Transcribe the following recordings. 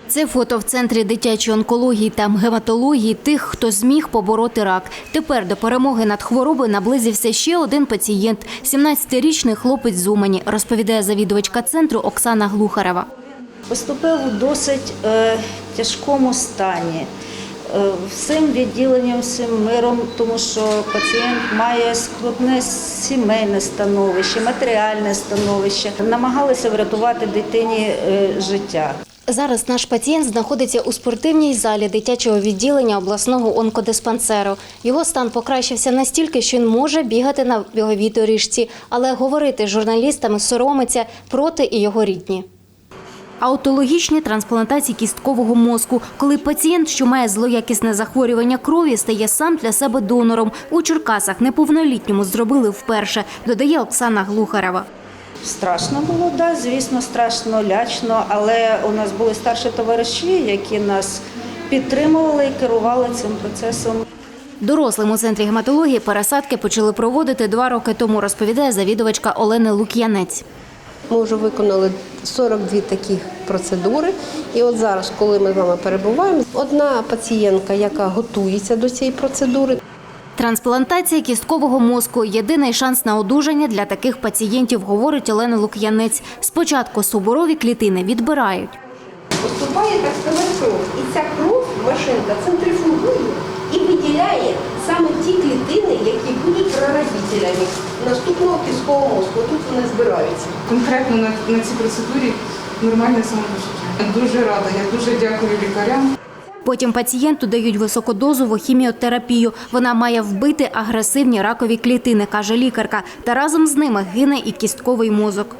Це фото в Центрі дитячої онкології та гематології тих, хто зміг побороти рак. Тепер до перемоги над хворобою наблизився ще один пацієнт – 17-річний хлопець з Умані, розповідає завідувачка центру Оксана Глухарева. Поступив у досить тяжкому стані, всім відділенням, всім миром, тому що пацієнт має скрутне сімейне становище, матеріальне становище. Намагалися врятувати дитині життя. Зараз наш пацієнт знаходиться у спортивній залі дитячого відділення обласного онкодиспансеру. Його стан покращився настільки, що він може бігати на біговій доріжці, але говорити з журналістами соромиться проти і його рідні. Аутологічні трансплантації кісткового мозку, коли пацієнт, що має злоякісне захворювання крові, стає сам для себе донором. У Черкасах неповнолітньому зробили вперше, додає Оксана Глухарева. Страшно було, да, звісно, страшно, лячно, але у нас були старші товариші, які нас підтримували і керували цим процесом. Дорослим у Центрі гематології пересадки почали проводити 2 роки тому, розповідає завідувачка Олена Лук'янець. Ми вже виконали 42 таких процедури. І от зараз, коли ми з вами перебуваємо, одна пацієнтка, яка готується до цієї процедури. Трансплантація кісткового мозку – єдиний шанс на одужання для таких пацієнтів, говорить Олена Лук'янець. Спочатку суборові клітини відбирають. Поступає, так сказати, кров. І ця кров, машинка, центрифугує і виділяє саме ті клітини, які будуть прародителями наступного кісткового мозку. Тут вони збираються. Конкретно на цій процедурі нормальне самопочуття. Дуже рада, я дуже дякую лікарям. Потім пацієнту дають високодозову хіміотерапію. Вона має вбити агресивні ракові клітини, каже лікарка, та разом з ними гине і кістковий мозок.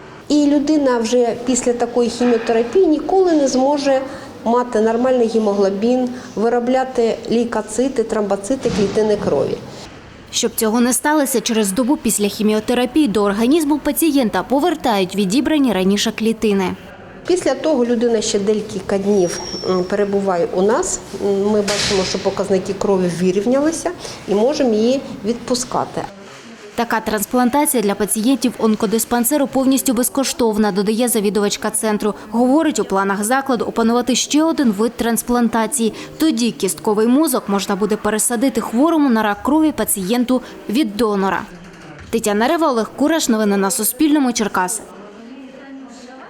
І людина вже після такої хіміотерапії ніколи не зможе мати нормальний гемоглобін, виробляти лейкоцити, тромбоцити, клітини крові. Щоб цього не сталося, через добу після хіміотерапії до організму пацієнта повертають відібрані раніше клітини. Після того людина ще декілька днів перебуває у нас. Ми бачимо, що показники крові вирівнялися і можемо її відпускати. Така трансплантація для пацієнтів онкодиспансеру повністю безкоштовна, додає завідувачка центру. Говорить, у планах закладу опанувати ще один вид трансплантації. Тоді кістковий мозок можна буде пересадити хворому на рак крові пацієнту від донора. Тетяна Рева, Олег Кураш. Новини на Суспільному. Черкаси.